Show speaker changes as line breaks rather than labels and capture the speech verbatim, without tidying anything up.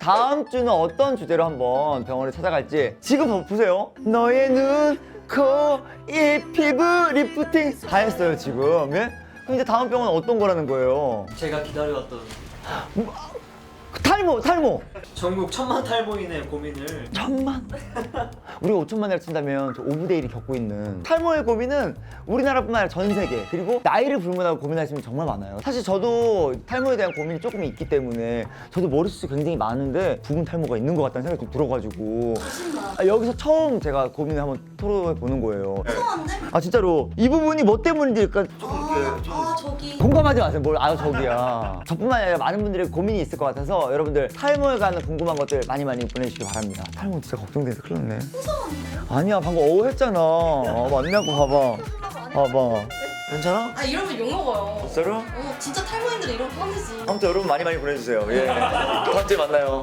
다음 주는 어떤 주제로 한번 병원에 찾아갈지 지금 보세요. 너의 눈, 코, 입, 피부, 리프팅 다 했어요 지금. 예? 그럼 이제 다음 병원은 어떤 거라는 거예요?
제가 기다려왔던
탈모, 탈모.
전국 천만 탈모인의 고민을
천만? 우리가 오천만이라 친다면 저 오분의 일이 겪고 있는 탈모의 고민은 우리나라뿐만 아니라 전 세계, 그리고 나이를 불문하고 고민하시는 분 정말 많아요. 사실 저도 탈모에 대한 고민이 조금 있기 때문에 저도 머리숱이 굉장히 많은데 부분 탈모가 있는 것 같다는 생각이 좀 들어가지고 아, 여기서 처음 제가 고민을 한번 토로해 보는 거예요.
죄송한데?
아 진짜로 이 부분이 뭐 때문인지 약간
아, 아 저기
공감하지 마세요. 뭘 아유 저기야. 저뿐만 아니라 많은 분들의 고민이 있을 것 같아서 여러분들 탈모에 관한 궁금한 것들 많이 많이 보내주시기 바랍니다. 탈모 진짜 걱정돼서 큰일 났네.
무서웠는데요?
아니야 방금 어우 했잖아. 아, 맞냐고 봐봐. 봐봐. 괜찮아?
아 이러면 욕먹어요.
진짜로?
어 진짜 탈모인들은 이러면 화내지.
아무튼 여러분 많이 많이 보내주세요. 예. 다음 주에 만나요.